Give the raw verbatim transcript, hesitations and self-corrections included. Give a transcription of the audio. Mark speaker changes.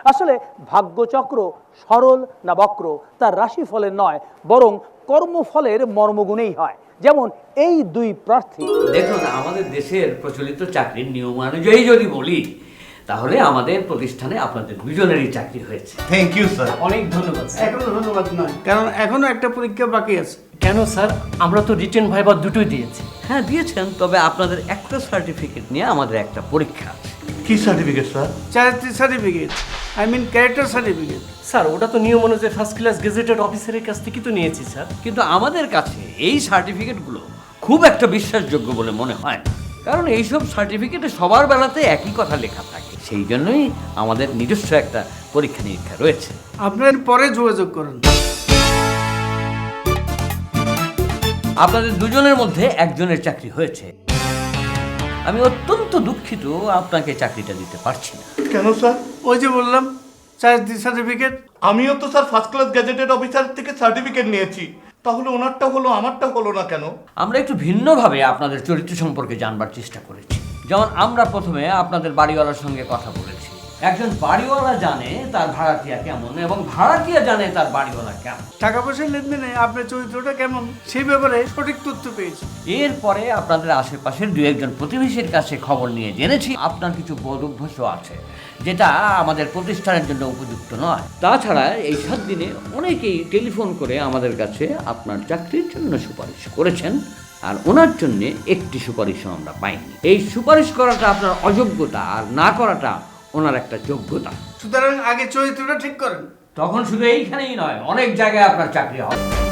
Speaker 1: আসলে ভাগ্যচক্র সরল না বক্র তার রাশিফলের নয়, বরং কর্মফলের মর্মগুণেই হয়। যেমন এই দুই প্রার্থী।
Speaker 2: দেখুন, আমাদের দেশের প্রচলিত চাকরির নিয়ম অনুযায়ী যদি বলি, তাহলে আমাদের প্রতিষ্ঠানে আপনাদের দুজনেরই চাকরি হয়েছে।
Speaker 3: Thank you sir.
Speaker 4: অনেক ধন্যবাদ স্যার।
Speaker 5: এখনো ধন্যবাদ নয়, কারণ এখনো একটা পরীক্ষা বাকি আছে।
Speaker 4: কেন স্যার, আমরা তো রিটেন ভাইবা দুটোই দিয়েছি।
Speaker 2: হ্যাঁ দিয়েছেন, তবে আপনাদের একটা সার্টিফিকেট নিয়ে আমাদের একটা পরীক্ষা আছে।
Speaker 3: কি সার্টিফিকেট স্যার?
Speaker 5: চারিত্রিক certificate, I mean character certificate.
Speaker 4: Sir ওটা তো নিয়ম অনুযায়ী ফার্স্ট ক্লাস গেজেটেড অফিসারের কাছ থেকে তো নিয়েছি স্যার।
Speaker 2: কিন্তু আমাদের কাছে এই সার্টিফিকেটগুলো খুব একটা বিশ্বাসযোগ্য বলে মনে হয় না, কারণ এইসব সার্টিফিকেটে সবার বেলাতে একই কথা লেখা থাকে। সেই জন্যই আমাদের নিজস্ব একটা পরীক্ষা নিরীক্ষা রয়েছে।
Speaker 5: আপনার পরে যোগাযোগ করুন।
Speaker 2: আপনাদের দুজনের মধ্যে একজনের চাকরি হয়েছে। আমি অত্যন্ত দুঃখিত আপনাকে চাকরিটা দিতে পারছি না।
Speaker 3: কেন স্যার?
Speaker 5: ওই যে বললাম চারিত্রিক সার্টিফিকেট।
Speaker 3: আমিও তো sir first class gazetted officer থেকে সার্টিফিকেট নিয়েছি, তাহলে ওনারটা হলো আমারটা হলো না কেন?
Speaker 2: আমরা একটু ভিন্নভাবে আপনাদের চরিত্র সম্পর্কে জানবার চেষ্টা করেছি। যেমন আমরা প্রথমে আপনাদের বাড়িওয়ালার সঙ্গে কথা বলেছি। একজন বাড়িওয়ালা জানে তার ভাড়াটিয়া কেমন, এবং ভাড়াটিয়া জানে তার বাড়িওয়ালা কেমন।
Speaker 5: টাকা পয়সার লেনদেনে আপনার চরিত্রটা কেমন সেই ব্যাপারে সঠিক তথ্য পেয়েছি।
Speaker 2: এরপরে আপনাদের আশেপাশের দু একজন প্রতিবেশীর কাছে খবর নিয়ে জেনেছি আপনার কিছু বদ অভ্যাসও আছে, যেটা আমাদের প্রতিষ্ঠানের জন্য উপযুক্ত নয়। তাছাড়া এই সাত দিনে অনেকেই টেলিফোন করে আমাদের কাছে আপনার চাকরির জন্য সুপারিশ করেছেন, আর ওনার জন্য একটি সুপারিশও আমরা পাইনি। এই সুপারিশ করাটা আপনার অযোগ্যতা, আর না করাটা ওনার একটা যোগ্যতা।
Speaker 5: সুতরাং আগে চরিত্রটা ঠিক করেন।
Speaker 2: তখন শুধু এইখানেই নয়, অনেক জায়গায় আপনার চাকরি হবে।